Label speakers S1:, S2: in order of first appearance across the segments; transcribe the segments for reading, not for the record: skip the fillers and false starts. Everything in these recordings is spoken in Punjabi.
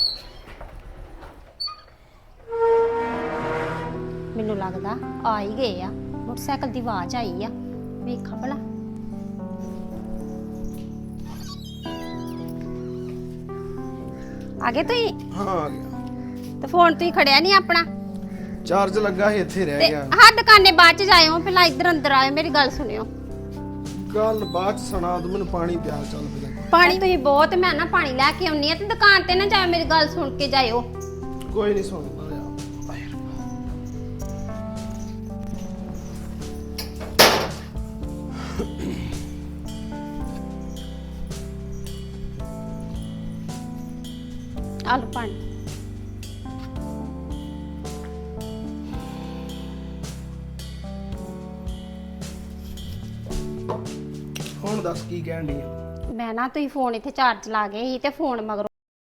S1: ਮੈਨੂੰ ਲੱਗਦਾ ਆ ਹੀ ਗਏ ਆ। ਮੋਟਰਸਾਈਕਲ ਦੀ ਆਵਾਜ਼ ਆਈ ਆ, ਵੇਖਾਂ ਭਲਾ। ਆ ਗਏ ਤੁਸੀਂ?
S2: ਹਾਂ ਆ ਗਿਆ।
S1: ਤੇ ਫੋਨ ਤੁਸੀਂ ਖੜਿਆ ਨਹੀਂ ਆਪਣਾ?
S2: ਚਾਰਜ ਲੱਗਾ ਸੀ ਇੱਥੇ ਰਹਿ ਗਿਆ।
S1: ਹਾਂ ਦੁਕਾਨੇ ਬਾਅਦ ਚ ਜਾਇਓ, ਪਹਿਲਾਂ ਇੱਧਰ ਅੰਦਰ ਆਇਓ, ਮੇਰੀ ਗੱਲ ਸੁਣਿਓ।
S2: ਗੱਲ ਬਾਅਦ ਚ ਸੁਣਾ ਦੂੰ, ਮੈਨੂੰ ਪਾਣੀ ਪਿਆ ਚੱਲ ਪਿਆ।
S1: ਪਾਣੀ ਤੁਸੀਂ ਬਹੁਤ, ਮੈਂ ਨਾ ਪਾਣੀ ਲੈ ਕੇ ਆਉਣੀ ਆ, ਤੇ ਦੁਕਾਨ ਤੇ ਨਾ ਜਾਇਓ, ਮੇਰੀ ਗੱਲ ਸੁਣ ਕੇ ਜਾਇਓ।
S2: ਕੋਈ ਨਹੀਂ ਸੁਣਦਾ ਯਾਰ।
S1: ਆ ਲਓ ਪਾਣੀ।
S2: ਹੁਣ ਦੱਸ ਕੀ ਕਹਿਣ ਡਈ ਆ?
S1: ਮੈਂ ਨਾ ਤੁਸੀਂ ਫੋਨ ਇੱਥੇ ਚਾਰਜ ਲਾ ਗਏ ਸੀ ਤੇ ਫੋਨ ਮਗਰੋਂ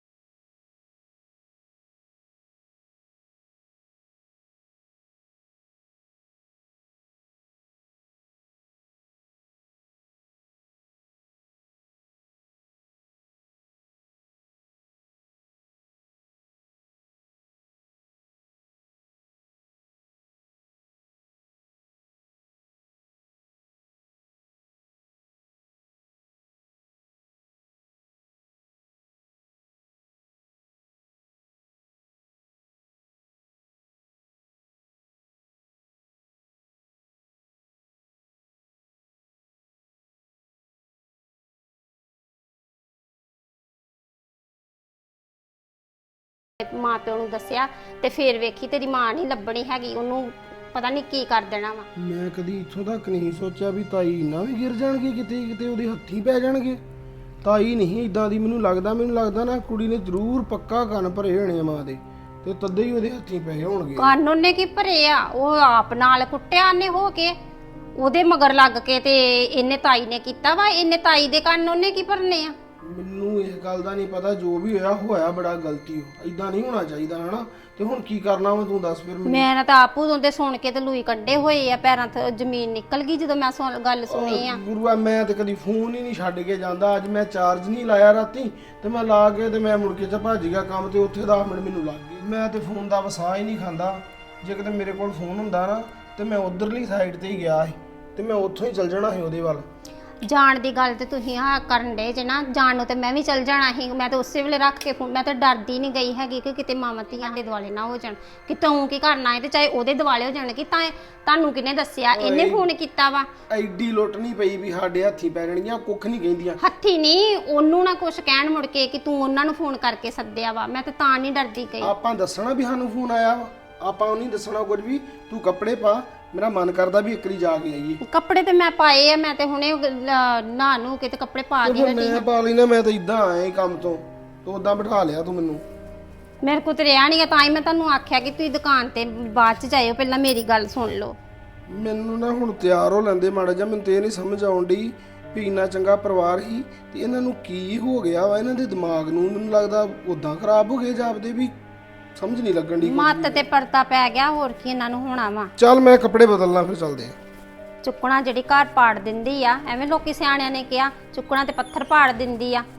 S1: ਮਾਂ ਪਿਓ ਨੂੰ ਦੱਸਿਆ ਤੇ ਫੇਰ ਵੇਖੀ ਤੇਰੀ ਮਾਂ ਨਹੀਂ ਲੱਭਣੀ ਹੈਗੀ, ਉਹਨੂੰ ਪਤਾ ਨਹੀਂ ਕੀ ਕਰ ਦੇਣਾ ਵਾ।
S2: ਮੈਂ ਕਦੀ ਇੱਥੋਂ ਤੱਕ ਨਹੀਂ ਸੋਚਿਆ ਵੀ ਤਾਈ ਨਾ ਵੀ ਗਿਰ ਜਾਣਗੇ, ਕਿਤੇ ਕਿਤੇ ਉਹਦੇ ਹੱਥੀਂ ਪੈ ਜਾਣਗੇ। ਤਾਈ ਨਹੀਂ ਇਦਾਂ ਦੀ, ਮੈਨੂੰ ਲੱਗਦਾ ਨਾ ਕੁੜੀ ਨੇ ਜ਼ਰੂਰ ਪੱਕਾ ਕੰਨ ਭਰੇ ਹੋਣੇ ਮਾਂ ਦੇ, ਤੇ ਤਦੇ ਹੀ ਉਹਦੇ ਹੱਥੀਂ ਪਏ ਹੋਣਗੇ।
S1: ਕੰਨ ਉਹਨੇ ਕੀ ਭਰੇ ਆ? ਉਹ ਆਪ ਨਾਲ ਕੁੱਟਿਆ ਨੇ ਹੋ ਕੇ, ਉਹਦੇ ਮਗਰ ਲੱਗ ਕੇ ਤੇ ਇਹਨੇ ਤਾਈ ਨੇ ਕੀਤਾ ਵਾ। ਇਹਨੇ ਤਾਈ ਦੇ ਕੰਨ ਉਹਨੇ ਕੀ ਭਰਨੇ ਆ?
S2: ਮੈਨੂੰ ਇਸ ਗੱਲ ਦਾ ਨਹੀਂ ਪਤਾ, ਜੋ ਵੀ ਹੋਇਆ ਬੜਾ ਗਲਤੀ ਹੋ, ਇਦਾਂ ਨਹੀਂ ਹੋਣਾ ਚਾਹੀਦਾ ਹਨਾ। ਤੇ ਹੁਣ ਕੀ ਕਰਨਾ ਵਾ ਤੂੰ ਦੱਸ ਫਿਰ ਮੈਨੂੰ।
S1: ਮੈਂ ਨਾ ਤਾਂ ਆਪ ਉਦੋਂ ਦੇ ਸੁਣ ਕੇ ਤੇ ਲੂਈ ਕੱਢੇ ਹੋਏ ਆ, ਪੈਰਾਂ ਤੋਂ ਜ਼ਮੀਨ ਨਿਕਲ ਗਈ ਜਦੋਂ ਮੈਂ ਗੱਲ ਸੁਣੀ ਆ।
S2: ਗੁਰੂਆ ਮੈਂ ਤੇ ਕਦੀ ਫੋਨ ਹੀ ਨਹੀਂ ਛੱਡ ਕੇ ਜਾਂਦਾ। ਅੱਜ ਮੈਂ ਚਾਰਜ ਨਹੀਂ ਲਾਇਆ ਰਾਤੀ, ਤੇ ਮੈਂ ਲਾ ਕੇ ਤੇ ਮੈਂ ਮੁੜ ਕੇ ਭੱਜ ਗਿਆ ਕੰਮ ਤੇ, ਉੱਥੇ 10 ਮਿੰਟ ਮੈਨੂੰ ਲੱਗ ਗਏ। ਮੈਂ ਤੇ ਫੋਨ ਦਾ ਵਸਾ ਹੀ ਨਹੀਂ ਖਾਂਦਾ। ਜੇ ਕਿਤੇ ਮੇਰੇ ਕੋਲ ਫੋਨ ਹੁੰਦਾ ਨਾ ਤੇ ਮੈਂ ਉਧਰਲੀ ਸਾਈਡ ਤੇ ਹੀ ਗਿਆ ਸੀ, ਤੇ ਮੈਂ ਉੱਥੋਂ ਹੀ ਚੱਲ ਜਾਣਾ ਸੀ ਉਹਦੇ ਵੱਲ।
S1: ਜਾਣ ਦੀ ਗੱਲ ਤੇ ਤੁਸੀਂ ਹਾਂ ਕਰਨ ਦੇ ਜੇ ਨਾ, ਜਾਣ ਨੂੰ ਤੇ ਮੈਂ ਵੀ ਚੱਲ ਜਾਣਾ ਸੀ। ਮੈਂ ਤਾਂ ਉਸੇ ਵੇਲੇ ਰੱਖ ਕੇ ਫੋਨ, ਮੈਂ ਤਾਂ ਡਰਦੀ ਨਹੀਂ ਗਈ ਹੈਗੀ ਕਿ ਕਿਤੇ ਮਾਵਾਂ ਧੀਆਂ ਦੇ ਦੁਆਲੇ ਨਾ ਹੋ ਜਾਣ, ਕਿ ਤੂੰ ਕੀ ਕਰਨਾ ਹੈ ਤੇ ਚਾਹੇ ਉਹਦੇ ਦੁਆਲੇ ਹੋ ਜਾਣ। ਕਿ ਤੁਹਾਨੂੰ ਕਿਹਨੇ ਦੱਸਿਆ? ਇਹਨੇ ਫੋਨ ਕੀਤਾ ਵਾ।
S2: ਐਡੀ ਲੁੱਟ ਨਹੀਂ ਪਈ ਵੀ ਸਾਡੇ ਹੱਥੀਂ ਪੈ ਜਾਣਗੀਆਂ, ਕੁੱਖ ਨਹੀਂ ਕਹਿੰਦੀਆਂ।
S1: ਹੱਥੀ ਨਹੀਂ, ਉਹਨੂੰ ਨਾ ਕੁਛ ਕਹਿਣ ਮੁੜ ਕੇ ਕਿ ਤੂੰ ਉਹਨਾਂ ਨੂੰ ਫੋਨ ਕਰਕੇ ਸੱਦਿਆ ਵਾ। ਮੈਂ ਤਾਂ ਨਹੀਂ ਡਰਦੀ ਗਈ। ਆਪਾਂ
S2: ਦੱਸਣਾ ਵੀ ਸਾਨੂੰ ਫੋਨ ਆਇਆ ਵਾ, ਆਪਾਂ ਉਹ ਨਹੀਂ ਦੱਸਣਾ ਕੁਝ ਵੀ। ਤੂੰ ਕੱਪੜੇ ਪਾ, ਮੇਰਾ ਮਨ ਕਰਦਾ ਵੀ ਇੱਕਰੀ ਜਾ ਕੇ ਆਈਏ।
S1: ਕੱਪੜੇ ਤੇ ਮੈਂ ਪਾਏ ਆ, ਮੈਂ ਤੇ ਹੁਣੇ ਨਹਾ ਨੂੰ ਕੇ ਤੇ ਕੱਪੜੇ ਪਾ ਕੇ ਹਟੀ।
S2: ਮੈਂ ਪਾ ਲੈਣਾ, ਮੈਂ ਤਾਂ ਇਦਾਂ ਆਇਆ ਕੰਮ ਤੋਂ, ਤੂੰ ਉਦਾਂ ਬਿਠਾ ਲਿਆ ਤੂੰ ਮੈਨੂੰ।
S1: ਮੇਰੇ ਕੋਲ ਤੇ ਰਿਹਾ ਨਹੀਂ, ਤਾਂ ਹੀ ਮੈਂ ਤੁਹਾਨੂੰ ਆਖਿਆ ਕਿ ਤੁਸੀਂ ਦੁਕਾਨ ਤੇ ਬਾਅਦ ਚ ਜਾਇਓ, ਪਹਿਲਾਂ ਮੇਰੀ ਗੱਲ ਸੁਣ ਲਓ।
S2: ਮੈਨੂੰ ਨਾ ਹੁਣ ਤਿਆਰ ਹੋ ਲੈਂਦੇ ਮਾੜਾ ਜਿਹਾ, ਮੈਨੂੰ ਤੇ ਇਹ ਨਹੀਂ ਸਮਝ ਆਉਣ ਡਈ ਵੀ ਇੰਨਾ ਚੰਗਾ ਪਰਿਵਾਰ ਹੀ ਤੇ ਇਹਨਾਂ ਨੂੰ ਕੀ ਹੋ ਗਿਆ ਵਾ। ਇਹਨਾਂ ਦੇ ਦਿਮਾਗ ਨੂੰ ਮੈਨੂੰ ਲੱਗਦਾ ਉਦਾਂ ਖਰਾਬ ਹੋ ਗਏ ਜਾਪਦੇ, ਵੀ ਸਮਝ ਨਹੀਂ ਲੱਗਣ ਦੀ।
S1: ਮੱਤ ਤੇ ਪਰਤਾ ਪੈ ਗਿਆ, ਹੋਰ ਕੀ ਇਹਨਾਂ ਨੂੰ ਹੋਣਾ ਵਾ।
S2: ਚੱਲ ਮੈਂ ਕੱਪੜੇ ਬਦਲਣਾ, ਫਿਰ ਚੱਲਦੇ ਆ।
S1: ਚੁੱਕਣਾ ਜਿਹੜੀ ਘਰ ਪਾੜ ਦਿੰਦੀ ਆ, ਐਵੇਂ ਲੋਕੀ ਸਿਆਣਿਆਂ ਨੇ ਕਿਹਾ, ਚੁੱਕਣਾ ਤੇ ਪੱਥਰ ਪਾੜ ਦਿੰਦੀ ਆ।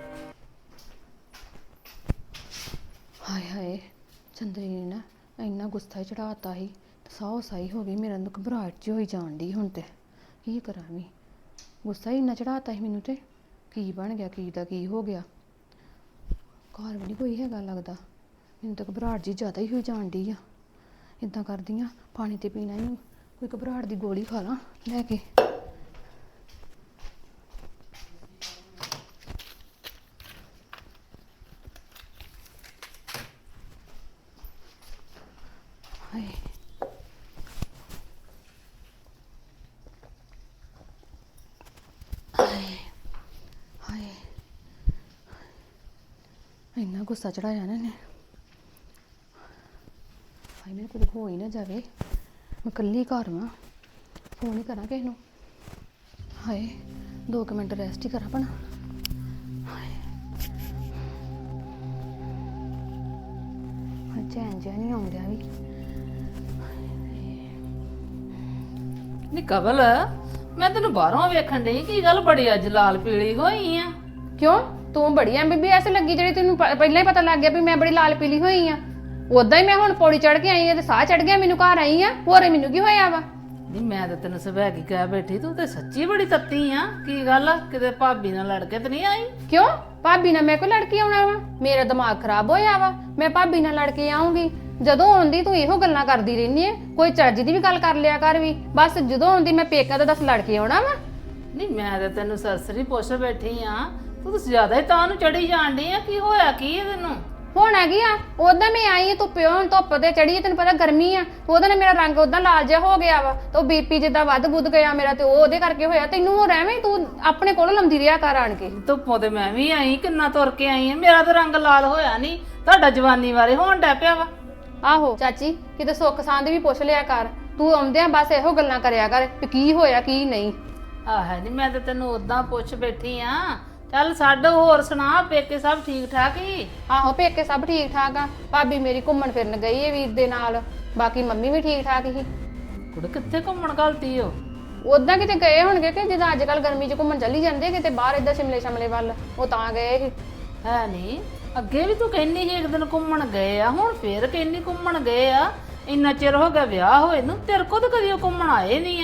S3: ਹਾਏ ਹਾਏ, ਚੰਦਰੀ ਨੇ ਨਾ ਇੰਨਾ ਗੁੱਸਾ ਚੜਾਤਾ ਸੀ, ਸਾਹ ਸਾਈ ਹੋ ਗਈ। ਮੇਰਾ ਨੂੰ ਘਬਰਾਹਟ ਜਿਹੀ ਹੋਈ ਜਾਣ ਡਈ। ਹੁਣ ਤੇ ਕੀ ਕਰਾਂ ਵੀ, ਗੁੱਸਾ ਹੀ ਇੰਨਾ ਚੜਾਤਾ ਸੀ ਮੈਨੂੰ। ਤੇ ਕੀ ਬਣ ਗਿਆ, ਕੀ ਦਾ ਕੀ ਹੋ ਗਿਆ? ਘਰ ਵੀ ਨਹੀਂ ਕੋਈ ਹੈਗਾ ਲੱਗਦਾ। ਮੈਨੂੰ ਤਾਂ ਘਬਰਾਹਟ ਜੀ ਜ਼ਿਆਦਾ ਹੀ ਹੋਈ ਜਾਣ ਡਈ ਆ। ਇੱਦਾਂ ਕਰਦੀ ਆ, ਪਾਣੀ ਤੇ ਪੀਣਾ ਹੀ, ਕੋਈ ਘਬਰਾਹਟ ਦੀ ਗੋਲੀ ਖਾ ਲਾਂ ਲੈ ਕੇ। ਹਾਏ ਹਾਏ, ਇੰਨਾ ਗੁੱਸਾ ਚੜਾਇਆ ਨਾ ਇਹਨੇ। ਹਾਏ ਮੇਰੇ ਕੋਲ ਹੋ ਹੀ ਨਾ ਜਾਵੇ, ਮੈਂ ਇਕੱਲੀ ਘਰ ਵਾਂ, ਫੋਨ ਹੀ ਕਰਾਂ ਕਿਸੇ ਨੂੰ। ਹਾਏ 2 ਮਿੰਟ ਰੈਸਟ ਹੀ ਕਰਾਂ ਭਣਾ। ਹਾਏ ਚੈਨ ਜਿਹਾ ਨਹੀਂ ਆਉਂਦਿਆ ਵੀ।
S4: ਨੀ ਕਵਲ, ਮੈਂ ਤੈਨੂੰ ਬਾਹਰੋਂ ਵੇਖਣ ਡਈ, ਕੀ ਗੱਲ ਬੜੀ ਅੱਜ ਲਾਲ ਪੀਲੀ ਹੋਈ ਆ?
S3: ਕਿਉਂ ਤੂੰ ਬੜੀ MBBS ਲੱਗੀ ਜਿਹੜੀ ਤੈਨੂੰ ਪਹਿਲਾਂ ਹੀ ਪਤਾ ਲੱਗ ਗਿਆ ਵੀ ਮੈਂ ਬੜੀ ਲਾਲ ਪੀਲੀ ਹੋਈ ਆ। ਉਦਾਂ ਹੀ ਮੈਂ ਹੁਣ ਪੌੜੀ ਚੜ ਕੇ ਆਈ ਆ ਤੇ ਸਾਹ ਚੜ ਗਿਆ ਮੈਨੂੰ, ਘਰ ਆਈ ਆ, ਹੋਰ ਮੈਨੂੰ ਕੀ ਹੋਇਆ ਵਾ?
S4: ਨਹੀਂ ਮੈਂ ਤਾਂ ਤੈਨੂੰ ਸਵੈਗੀ ਕਹਿ ਬੈਠੀ, ਤੂੰ ਤੇ ਸੱਚੀ ਬੜੀ ਤੱਤੀ ਆ। ਕੀ ਗੱਲ ਆ, ਕਿਤੇ ਭਾਬੀ ਨਾਲ ਲੜ ਕੇ ਤੇ ਨਹੀਂ ਆਈ?
S3: ਕਿਉਂ ਭਾਬੀ ਨਾਲ ਮੈਂ ਕੋਈ ਲੜ ਕੇ ਆਉਣਾ ਵਾ? ਮੇਰਾ ਦਿਮਾਗ ਖਰਾਬ ਹੋਇਆ ਵਾ, ਮੈਂ ਭਾਬੀ ਨਾਲ ਲੜ ਕੇ ਆਉਂਗੀ? ਜਦੋਂ ਆਉਂਦੀ ਤੂੰ ਇਹੋ ਗੱਲਾਂ ਕਰਦੀ ਰਹਿੰਦੀ ਐ, ਕੋਈ ਚੱਜ ਦੀ ਵੀ ਗੱਲ ਕਰ ਲਿਆ ਕਰ ਵੀ। ਬਸ ਜਦੋਂ ਆਉਂਦੀ ਮੈਂ ਪੇਕਾ ਤਾਂ ਦੱਸ ਲੜ ਕੇ ਆਉਣਾ ਵਾ?
S4: ਨਹੀਂ ਮੈਂ ਤਾਂ ਤੈਨੂੰ ਸਰਸਰੀ ਪੁੱਛ ਬੈਠੀ ਆ, ਤੂੰ ਤਾਂ ਜ਼ਿਆਦਾ ਹੀ ਤਾਂ ਨੂੰ ਚੜੀ ਜਾਣ ਡਈ ਆ। ਕੀ ਹੋਇਆ ਕੀ ਹੈ ਤੈਨੂੰ?
S3: ਹੁਣ ਹੈਗੀ ਆ ਉਦਾਂ ਮੈਂ ਆਈ ਧੁੱਪ ਤੇ ਚੜੀ, ਤੈਨੂੰ ਪਤਾ ਗਰਮੀ ਆ, ਉਹਦੇ ਨਾਲ ਮੇਰਾ ਰੰਗ ਉਦਾਂ ਲਾਲ ਜਿਹਾ ਹੋ ਗਿਆ ਵਾ ਤੇ ਉਹ BP ਜਿੱਦਾਂ ਵੱਧ ਬੁੱਧ ਗਿਆ ਮੇਰਾ, ਤੇ ਉਹ ਉਹਦੇ ਕਰਕੇ ਹੋਇਆ। ਤੈਨੂੰ ਹੋ ਐਵੇਂ ਤੂੰ ਆਪਣੇ ਕੋਲ ਲੰਮਦੀ ਰਿਹਾ ਕਰ ਆਣ ਕੇ।
S4: ਧੁੱਪੋਂ ਤੇ ਮੈਂ ਵੀ ਆਈ, ਕਿੰਨਾ ਤੁਰ ਕੇ ਆਈ ਆ, ਮੇਰਾ ਤਾਂ ਰੰਗ ਲਾਲ ਹੋਇਆ ਨਹੀਂ, ਤੁਹਾਡਾ ਜਵਾਨੀ ਵਾਲੇ ਹੋਣ ਡੈ ਪਿਆ ਵਾ।
S3: ਆਹੋ ਚਾਚੀ ਕਿਤੇ ਸੁੱਖ ਸਾਂਦ ਵੀ ਪੁੱਛ ਲਿਆ ਕਰ, ਤੂੰ ਆਉਂਦਿਆਂ ਬਸ ਇਹੋ ਗੱਲਾਂ ਕਰਿਆ ਕਰ ਵੀ ਕੀ ਹੋਇਆ ਕੀ ਨਹੀਂ।
S4: ਆਹ ਨਹੀਂ ਮੈਂ ਤਾਂ ਤੈਨੂੰ ਉਦਾਂ ਪੁੱਛ ਬੈਠੀ ਆ। ਚੱਲ ਛੱਡ, ਹੋਰ ਸੁਣਾ, ਪੇਕੇ ਸਭ ਠੀਕ ਠਾਕ ਹੀ?
S3: ਆਹੋ ਪੇਕੇ ਸਭ ਠੀਕ ਠਾਕ ਆ, ਭਾਬੀ ਮੇਰੀ ਘੁੰਮਣ ਫਿਰਨ ਗਈ ਏ ਵੀਰ ਦੇ ਨਾਲ, ਬਾਕੀ ਮੰਮੀ ਵੀ ਠੀਕ ਠਾਕ ਹੀ।
S4: ਕੁੜੇ ਕਿੱਥੇ ਘੁੰਮਣ ਗਲਤੀ ਹੋ?
S3: ਉਦਾਂ ਕਿਤੇ ਗਏ ਹੋਣਗੇ ਕਿ ਜਿੱਦਾਂ ਅੱਜ ਕੱਲ ਗਰਮੀ 'ਚ ਘੁੰਮਣ ਚੱਲੀ ਜਾਂਦੇ ਕਿਤੇ ਬਾਹਰ ਏਦਾਂ ਸ਼ਿਮਲੇ ਵੱਲ, ਉਹ ਤਾਂ ਗਏ ਸੀ।
S4: ਹੈ ਨਹੀਂ, ਅੱਗੇ ਵੀ ਤੂੰ ਕਹਿੰਦੀ ਸੀ ਇੱਕ ਦਿਨ ਘੁੰਮਣ ਗਏ ਆ, ਹੁਣ ਫੇਰ ਕਹਿੰਦੀ ਘੁੰਮਣ ਗਏ ਆ। ਇੰਨਾ ਚਿਰ ਹੋ ਗਿਆ ਵਿਆਹ ਹੋਏ ਨੂੰ, ਤੇਰੇ ਕੋਲ ਤਾਂ ਕਦੀ ਉਹ ਘੁੰਮਣ ਆਏ ਨਹੀਂ ਆ।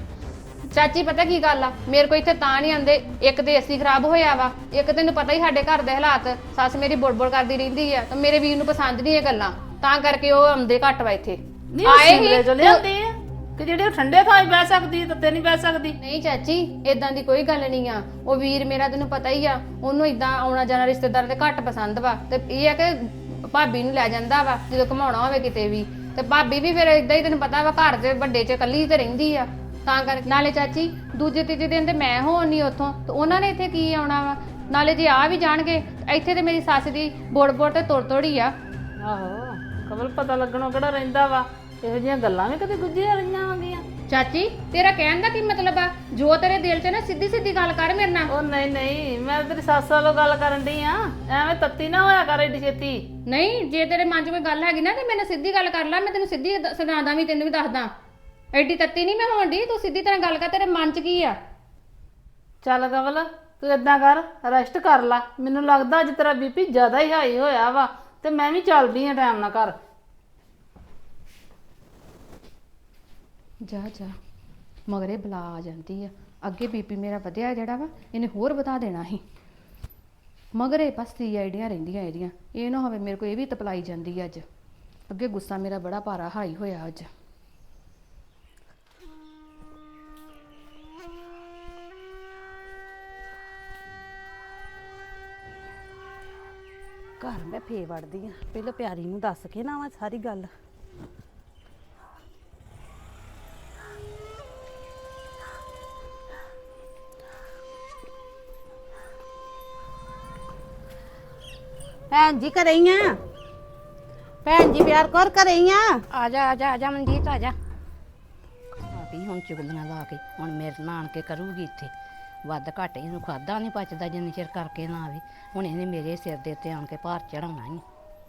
S3: ਚਾਚੀ ਪਤਾ ਕੀ ਗੱਲ ਆ, ਮੇਰੇ ਕੋਲ ਇੱਥੇ ਤਾਂ ਨਹੀਂ ਆਉਂਦੇ, ਇੱਕ ਤੇ ਏਸੀ ਖਰਾਬ ਹੋਇਆ ਵਾ, ਇੱਕ ਤੈਨੂੰ ਪਤਾ ਹੀ ਸਾਡੇ ਘਰ ਦੇ ਹਾਲਾਤ, ਸੱਸ ਮੇਰੀ ਬੁੜਬੁੜ ਕਰਦੀ ਰਹਿੰਦੀ ਆ, ਤੇ ਮੇਰੇ ਵੀਰ ਨੂੰ ਪਸੰਦ ਨਹੀਂ ਇਹ ਗੱਲਾਂ, ਤਾਂ ਕਰਕੇ ਉਹ ਆਉਂਦੇ ਘੱਟ ਵਾ ਇੱਥੇ।
S4: ਨਹੀਂ ਆਏ ਹੀ ਚਲੇ ਜਾਂਦੇ ਆ ਕਿ ਜਿਹੜੇ ਠੰਡੇ ਥਾਂ 'ਚ ਬਹਿ ਸਕਦੀ ਤੇ ਨਹੀਂ ਬਹਿ ਸਕਦੀ?
S3: ਨਹੀਂ ਚਾਚੀ ਇਦਾਂ ਦੀ ਕੋਈ ਗੱਲ ਨਹੀਂ ਆ, ਉਹ ਵੀਰ ਮੇਰਾ ਤੈਨੂੰ ਪਤਾ ਹੀ ਆ, ਉਹਨੂੰ ਇਦਾਂ ਆਉਣਾ ਜਾਣਾ ਰਿਸ਼ਤੇਦਾਰ ਤੇ ਘੱਟ ਪਸੰਦ ਵਾ, ਤੇ ਇਹ ਆ ਕਿ ਭਾਬੀ ਨੂੰ ਲੈ ਜਾਂਦਾ ਵਾ ਜਦੋਂ ਘਮਾਉਣਾ ਹੋਵੇ ਕਿਤੇ ਵੀ, ਤੇ ਭਾਬੀ ਵੀ ਫਿਰ ਇਦਾਂ ਹੀ ਤੈਨੂੰ ਪਤਾ ਵਾ ਘਰ ਦੇ ਵੱਡੇ 'ਚ ਇਕੱਲੀ ਤੇ ਰਹਿੰਦੀ ਆ, ਤਾਂ ਕਰਕੇ। ਨਾਲੇ ਚਾਚੀ ਦੂਜੇ ਤੀਜੇ ਦਿਨ ਤੇ ਮੈਂ ਹੋਣੀ ਉੱਥੋਂ, ਤੇ ਉਹਨਾਂ ਨੇ ਇੱਥੇ ਕੀ ਆਉਣਾ ਵਾ? ਨਾਲੇ ਜੇ ਆ ਵੀ ਜਾਣਗੇ ਇੱਥੇ ਤੇ ਮੇਰੀ ਸੱਸ ਦੀ ਬੋੜ ਤੇ ਤੋੜੀ ਆ।
S4: ਆਹੋ ਕਮਲ ਪਤਾ ਲੱਗਣੋਂ ਕਿਹੜਾ ਰਹਿੰਦਾ ਵਾ, ਇਹੋ ਜਿਹੀਆਂ ਗੱਲਾਂ ਵੀ ਕਦੇ ਗੁੱਝੀਆਂ ਰਹੀਆਂ ਹੁੰਦੀਆਂ।
S3: ਚਾਚੀ ਤੇਰਾ ਕਹਿਣ ਦਾ ਕੀ ਮਤਲਬ ਆ? ਜੋ ਤੇਰੇ ਦਿਲ 'ਚ ਨਾ ਸਿੱਧੀ ਸਿੱਧੀ ਗੱਲ ਕਰ ਮੇਰੇ ਨਾਲ।
S4: ਉਹ ਨਹੀਂ ਨਹੀਂ, ਮੈਂ ਤੇਰੀ ਸੱਸ ਵੱਲੋਂ ਗੱਲ ਕਰਨ ਡਈ ਆ, ਐਵੇਂ ਤੱਤੀ ਨਾ ਹੋਇਆ ਕਰ ਏਡੀ ਛੇਤੀ।
S3: ਨਹੀਂ ਜੇ ਤੇਰੇ ਮਨ 'ਚ ਕੋਈ ਗੱਲ ਹੈਗੀ ਨਾ ਤੇ ਮੇਰੇ ਨਾਲ ਸਿੱਧੀ ਗੱਲ ਕਰ ਲੈ, ਮੈਂ ਤੈਨੂੰ ਸਿੱਧੀ ਸੁਣਾਦਾ ਵੀ, ਤੈਨੂੰ ਵੀ ਦੱਸਦਾ। ਐਡੀ ਤੱਤੀ ਨਹੀਂ ਮੈਂ ਹੋਣ ਡਈ, ਤੂੰ ਸਿੱਧੀ ਤਰ੍ਹਾਂ ਗੱਲ ਕਰ, ਤੇਰੇ ਮਨ 'ਚ ਕੀ ਆ?
S4: ਚੱਲ ਕਮਲ ਤੂੰ ਏਦਾਂ ਕਰ, ਰੈਸਟ ਕਰ ਲੈ, ਮੈਨੂੰ ਲੱਗਦਾ ਅੱਜ ਤੇਰਾ BP ਜ਼ਿਆਦਾ ਹੀ ਹਾਈ ਹੋਇਆ ਵਾ, ਤੇ ਮੈਂ ਵੀ ਚੱਲਦੀ ਆ ਟਾਈਮ ਨਾਲ ਘਰ।
S3: ਜਾ ਜਾ ਮਗਰੇ ਬਲਾ ਆ ਜਾਂਦੀ ਆ, ਅੱਗੇ BP ਮੇਰਾ ਵਧਿਆ ਜਿਹੜਾ ਵਾ ਇਹਨੇ ਹੋਰ ਵਧਾ ਦੇਣਾ ਸੀ। ਮਗਰੇ ਪਸਤੀ ਆਈਡੀਆਂ ਰਹਿੰਦੀਆਂ ਇਹਦੀਆਂ, ਇਹ ਨਾ ਹੋਵੇ ਮੇਰੇ ਕੋਲ ਇਹ ਵੀ ਤਪਲਾਈ ਜਾਂਦੀ ਅੱਜ। ਅੱਗੇ ਗੁੱਸਾ ਮੇਰਾ ਬੜਾ ਭਾਰਾ ਹਾਈ ਹੋਇਆ ਅੱਜ।
S5: ਘਰ ਮੈਂ ਫੇ ਵੜਦੀ ਆ, ਪਹਿਲਾਂ ਪਿਆਰੀ ਨੂੰ ਦੱਸ ਕੇ ਨਾ ਵਾ ਸਾਰੀ ਗੱਲ। ਭੈਣ ਜੀ ਘਰੇ ਹੀ ਆ? ਭੈਣ ਜੀ ਪਿਆਰ ਕਰ ਘਰੇ ਹੀ ਆ?
S6: ਆ ਜਾ ਮਨਜੀਤ ਆ ਜਾ। ਭਾਬੀ ਹੁਣ ਚੁਗਲੀਆਂ ਲਾ ਕੇ ਹੁਣ ਮੇਰੇ ਨਾਲ ਆਣ ਕੇ ਕਰੂਗੀ ਇੱਥੇ, ਵੱਧ ਘੱਟ ਇਹਨੂੰ ਖਾਦਾ ਨਹੀਂ ਪਚਦਾ ਜਿੰਨੀ ਚਿਰ ਕਰਕੇ ਨਾ ਆਵੇ, ਹੁਣ ਇਹਨੇ ਮੇਰੇ ਸਿਰ ਦੇ ਉੱਤੇ ਆਣ ਕੇ ਭਾਰ ਚੜਾਉਣਾ ਹੀ।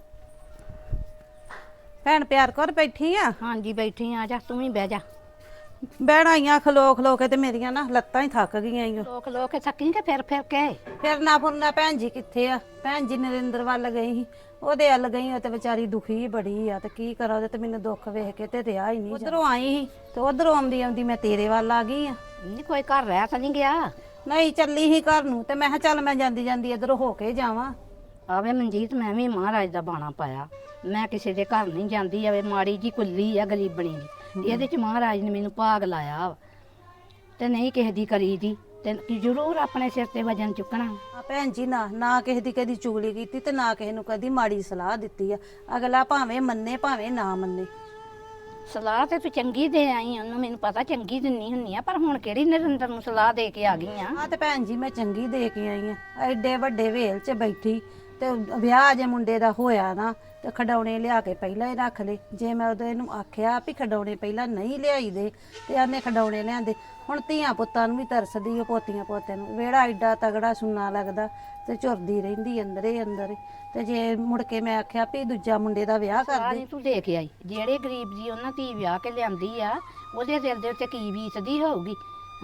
S5: ਭੈਣ ਪਿਆਰ ਕਰ ਬੈਠੀ ਆ?
S6: ਹਾਂਜੀ ਬੈਠੀ ਆ ਜਾ, ਤੂੰ ਵੀ ਬਹਿ ਜਾ।
S5: ਬਹਿਣਾ ਆਈਆਂ ਖਲੋ ਖਲੋ ਕੇ ਤੇ ਮੇਰੀਆਂ ਨਾ ਲੱਤਾਂ ਹੀ ਥੱਕ ਗਈਆਂ ਈ ਓ।
S6: ਲੋਕ ਕੇ ਥੱਕੀ ਕਿ ਫਿਰ ਕੇ
S5: ਫਿਰਨਾ ਫੁਰਨਾ ਭੈਣ ਜੀ ਕਿੱਥੇ ਆ? ਭੈਣ ਜੀ ਨਰਿੰਦਰ ਵੱਲ ਗਈ ਸੀ, ਉਹਦੇ ਵੱਲ ਗਈ, ਉਹ ਤੇ ਵਿਚਾਰੀ ਦੁਖੀ ਬੜੀ ਆ, ਤੇ ਕੀ ਕਰਾਂ, ਉਹਦੇ ਤੇ ਮੈਨੂੰ ਦੁੱਖ ਵੇਖ ਕੇ ਤੇ ਰਿਹਾ ਹੀ ਨਹੀਂ। ਉਧਰੋਂ ਆਈ ਸੀ ਤੇ ਉਧਰੋਂ ਆਉਂਦੀ ਆਉਂਦੀ ਮੈਂ ਤੇਰੇ ਵੱਲ ਆ ਗਈ ਆ।
S6: ਨਹੀਂ ਕੋਈ ਘਰ ਰਹਿ ਤਾਂ ਨਹੀਂ ਗਿਆ?
S5: ਨਹੀਂ ਚੱਲੀ ਸੀ ਘਰ ਨੂੰ, ਤੇ ਮੈਂ ਕਿਹਾ ਚੱਲ ਮੈਂ ਜਾਂਦੀ ਜਾਂਦੀ ਇਧਰੋਂ ਹੋ ਕੇ ਜਾਵਾਂ।
S6: ਆਵੇ ਮਨਜੀਤ ਮੈਂ ਵੀ ਮਹਾਰਾਜ ਦਾ ਬਾਣਾ ਪਾਇਆ, ਮੈਂ ਕਿਸੇ ਦੇ ਘਰ ਨਹੀਂ ਜਾਂਦੀ, ਆਵੇ ਮਾੜੀ ਜੀ ਕੁੱਲੀ ਆ ਗਰੀਬਣੀ ਦੀ, ਇਹਦੇ ਚ ਮਹਾਰਾਜ ਨੇ ਮੈਨੂੰ ਭਾਗ ਲਾਇਆ ਵਾ, ਤੇ ਨਹੀਂ ਕਿਸੇ ਦੀ ਕਰੀ ਦੀ, ਤੇ ਜ਼ਰੂਰ ਆਪਣੇ ਸਿਰ ਤੇ ਵਜਨ ਚੁੱਕਣਾ।
S5: ਆ ਭੈਣ ਜੀ ਨਾ ਕਿਸੇ ਦੀ ਕਦੀ ਚੁਗਲੀ ਕੀਤੀ ਤੇ ਨਾ ਕਿਸੇ ਨੂੰ ਕਦੀ ਮਾੜੀ ਸਲਾਹ ਦਿੱਤੀ ਆ, ਅਗਲਾ ਭਾਵੇਂ ਮੰਨੇ ਭਾਵੇਂ ਨਾ ਮੰਨੇ।
S6: ਸਲਾਹ ਤੇ ਤੂੰ ਚੰਗੀ ਦੇ ਆਈ, ਉਹਨੂੰ ਮੈਨੂੰ ਪਤਾ ਚੰਗੀ ਦਿੰਨੀ ਹੁੰਨੀ ਆ, ਪਰ ਹੁਣ ਕਿਹੜੀ ਨਰਿੰਦਰ ਨੂੰ ਸਲਾਹ ਦੇ ਕੇ ਆ ਗਈ ਆ?
S5: ਆ ਤੇ ਭੈਣ ਜੀ ਮੈਂ ਚੰਗੀ ਦੇ ਕੇ ਆਈ ਆ, ਐਡੇ ਵੱਡੇ ਵੇਲ 'ਚ ਬੈਠੀ, ਤੇ ਵਿਆਹ ਜੇ ਮੁੰਡੇ ਦਾ ਹੋਇਆ ਨਾ, ਤੇ ਖਡਾਉਣੇ ਲਿਆ ਕੇ ਪਹਿਲਾਂ ਹੀ ਰੱਖ ਲਏ। ਜੇ ਮੈਂ ਉਹਦੇ ਇਹਨੂੰ ਆਖਿਆ ਵੀ ਖਡਾਉਣੇ ਪਹਿਲਾਂ ਨਹੀਂ ਲਿਆਈ ਦੇ, ਤੇ ਆਨੇ ਖਡਾਉਣੇ ਲਿਆਂਦੇ। ਹੁਣ ਧੀਆਂ ਪੁੱਤਾਂ ਨੂੰ ਵੀ ਤਰਸਦੀ, ਉਹ ਪੋਤੀਆਂ ਪੋਤਿਆਂ ਨੂੰ, ਵਿਹੜਾ ਐਡਾ ਤਗੜਾ ਸੁੰਨਾ ਲੱਗਦਾ, ਤੇ ਝੁਰਦੀ ਰਹਿੰਦੀ ਅੰਦਰੇ ਅੰਦਰ। ਤੇ ਜੇ ਮੁੜ ਕੇ ਮੈਂ ਆਖਿਆ ਵੀ ਦੂਜਾ ਮੁੰਡੇ ਦਾ ਵਿਆਹ ਕਰ ਦੇ,
S6: ਨਹੀਂ ਤੂੰ ਦੇ ਕੇ ਆਈ, ਜਿਹੜੇ ਗਰੀਬ ਜੀ ਉਹਨਾਂ ਧੀ ਵਿਆਹ ਕੇ ਲਿਆਂਦੀ ਆ, ਉਹਦੇ ਦਿਲ ਦੇ ਉੱਤੇ ਕੀ ਬੀਤਦੀ ਹੋਊਗੀ?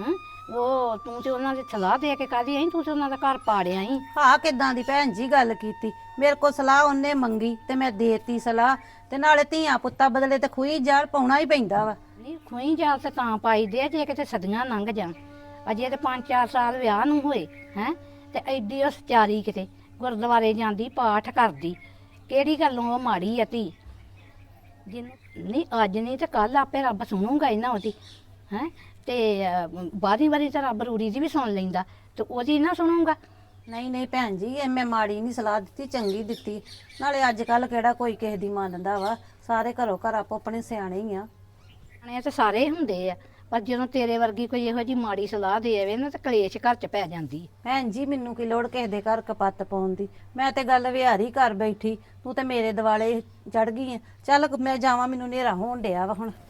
S6: ਉਹ ਤੂੰ ਤੇ ਉਹਨਾਂ ਦੀ ਸਲਾਹ ਦੇ ਕੇ ਕਾਦੀ ਆਈ, ਤੂੰ ਤੇ ਉਹਨਾਂ ਦਾ ਘਰ ਪਾੜਿਆ ਹੀ।
S5: ਹਾਂ ਕਿਦਾਂ ਦੀ ਭੈਣ ਜੀ ਗੱਲ ਕੀਤੀ, ਮੇਰੇ ਕੋਲ ਸਲਾਹ ਉਹਨੇ ਮੰਗੀ ਤੇ ਮੈਂ ਦੇਤੀ ਸਲਾਹ, ਤੇ ਨਾਲੇ ਧੀਆਂ ਪੁੱਤਾਂ ਬਦਲੇ ਤੇ ਖੂਹੀ ਜਾਲ ਪਾਉਣਾ ਹੀ ਪੈਂਦਾ ਵਾ।
S6: ਨਹੀਂ ਖੂਹੀ ਜਾਲ ਤੇ ਤਾਂ ਪਾਈ ਦੇ ਆ ਜੇ ਕਿਤੇ ਸਦੀਆਂ ਲੰਘ ਜਾਣ। ਅਜੇ ਤੇ 5-4 ਸਾਲ ਵਿਆਹ ਨੂੰ ਹੋਏ ਹੈ, ਤੇ ਐਡੀ ਉਹ ਸਚਾਰੀ ਕਿਤੇ ਗੁਰਦੁਆਰੇ ਜਾਂਦੀ, ਪਾਠ ਕਰਦੀ, ਕਿਹੜੀ ਗੱਲੋਂ ਉਹ ਮਾੜੀ ਆ ਧੀ। ਜਿਹਨੂੰ ਨਹੀਂ ਅੱਜ ਨਹੀਂ ਤੇ ਕੱਲ ਆਪੇ ਰੱਬ ਸੁਣੂਗਾ ਇਹਨਾਂ ਉਹਦੀ ਹੈ, ਤੇ ਬਾਰੀ ਵਾਰੀ ਤਾਂ ਰੱਬ ਰੂੜੀ ਦੀ ਵੀ ਸੁਣ ਲੈਂਦਾ, ਤੇ ਉਹਦੀ ਨਾ ਸੁਣੂਗਾ।
S5: ਨਹੀਂ ਨਹੀਂ ਭੈਣ ਜੀ, ਇਹ ਮੈਂ ਮਾੜੀ ਨਹੀਂ ਸਲਾਹ ਦਿੱਤੀ, ਚੰਗੀ ਦਿੱਤੀ। ਨਾਲੇ ਅੱਜ ਕੱਲ ਕਿਹੜਾ ਕੋਈ ਕਿਸੇ ਦੀ ਮੰਨਦਾ ਵਾ, ਸਾਰੇ ਘਰੋਂ ਘਰ ਆਪੋ ਆਪਣੇ ਸਿਆਣੇ ਹੀ ਆ।
S6: ਸਿਆਣੇ ਤੇ ਸਾਰੇ ਹੁੰਦੇ ਆ, ਪਰ ਜਦੋਂ ਤੇਰੇ ਵਰਗੀ ਕੋਈ ਇਹੋ ਜਿਹੀ ਮਾੜੀ ਸਲਾਹ ਦੇ ਆਵੇ ਨਾ, ਤੇ ਕਲੇਸ਼ ਘਰ 'ਚ ਪੈ ਜਾਂਦੀ।
S5: ਭੈਣ ਜੀ ਮੈਨੂੰ ਕੀ ਲੋੜ ਕਿਸੇ ਦੇ ਘਰ ਕਪੱਤ ਪਾਉਣ ਦੀ, ਮੈਂ ਤੇ ਗੱਲ ਵਿਹਾਰੀ ਕਰ ਬੈਠੀ, ਤੂੰ ਤੇ ਮੇਰੇ ਦਿਵਾਲੇ ਚੜ ਗਈ ਆ। ਚੱਲ ਮੈਂ ਜਾਵਾਂ, ਮੈਨੂੰ ਹਨੇਰਾ ਹੋਣ ਡਿਆ ਵਾ ਹੁਣ।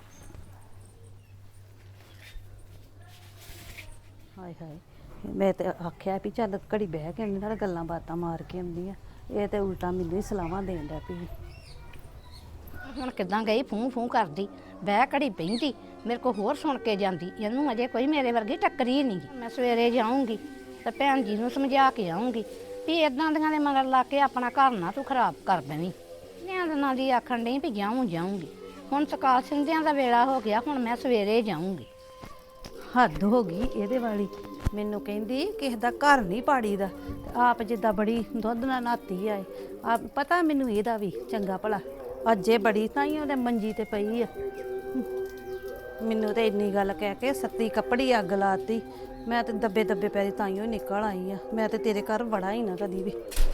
S5: ਹਾਏ ਹਾਏ, ਮੈਂ ਤੇ ਆਖਿਆ ਵੀ ਚੱਲ ਘੜੀ ਬਹਿ ਕੇ ਇਹਨਾਂ ਨਾਲ ਗੱਲਾਂ ਬਾਤਾਂ ਮਾਰ ਕੇ ਆਉਂਦੀ ਆ, ਇਹ ਤੇ ਉਲਟਾ ਮੈਨੂੰ ਹੀ ਸਲਾਹਾਂ ਦੇਣ ਡਿਆ ਪਈ।
S6: ਹੁਣ ਕਿੱਦਾਂ ਗਈ ਫੂੰ ਫੂੰ ਕਰਦੀ, ਬਹਿ ਘੜੀ ਬਹਿੰਦੀ, ਮੇਰੇ ਕੋ ਹੋਰ ਸੁਣ ਕੇ ਜਾਂਦੀ। ਇਹਨੂੰ ਅਜੇ ਕੋਈ ਮੇਰੇ ਵਰਗੀ ਟੱਕਰੀ ਨਹੀਂ। ਮੈਂ ਸਵੇਰੇ ਜਾਊਂਗੀ ਤੇ ਭੈਣ ਜੀ ਨੂੰ ਸਮਝਾ ਕੇ ਆਊਂਗੀ ਵੀ ਇਦਾਂ ਦੀਆਂ ਦੇ ਮਗਰ ਲਾ ਕੇ ਆਪਣਾ ਘਰ ਨਾ ਤੂੰ ਖਰਾਬ ਕਰ ਦੇਵੀਂ। ਨਿਆਂਦਨਾਂ ਦੀ ਆਖਣ ਡਈ ਵੀ ਜਾਊਂਗੀ। ਹੁਣ ਸਕਾਲ ਸਿੰਧਿਆਂ ਦਾ ਵੇਲਾ ਹੋ ਗਿਆ, ਹੁਣ ਮੈਂ ਸਵੇਰੇ ਜਾਊਂਗੀ।
S5: ਹੱਦ ਹੋ ਗਈ ਇਹਦੇ ਵਾਲੀ, ਮੈਨੂੰ ਕਹਿੰਦੀ ਕਿਸੇ ਦਾ ਘਰ ਨਹੀਂ ਪਾੜੀਦਾ, ਤੇ ਆਪ ਜਿੱਦਾਂ ਬੜੀ ਦੁੱਧ ਨਾਲ ਨਾਤੀ ਆਏ। ਆਪ ਪਤਾ ਮੈਨੂੰ ਇਹਦਾ ਵੀ ਚੰਗਾ ਭਲਾ, ਅੱਜੇ ਬੜੀ ਤਾਂ ਹੀ ਉਹਦੇ ਮੰਜੀ ਤੇ ਪਈ ਆ। ਮੈਨੂੰ ਤੇ ਇੰਨੀ ਗੱਲ ਕਹਿ ਕੇ ਸੱਤੀ ਕੱਪੜੀ ਅੱਗ ਲਾਤੀ। ਮੈਂ ਤੇ ਦੱਬੇ ਦੱਬੇ ਪੈਰੀ ਤਾਈਓ ਨਿਕਲ ਆਈ ਆ। ਮੈਂ ਤੇ ਤੇਰੇ ਘਰ ਵੜਾ ਹੀ ਨਾ ਕਦੀ ਵੀ।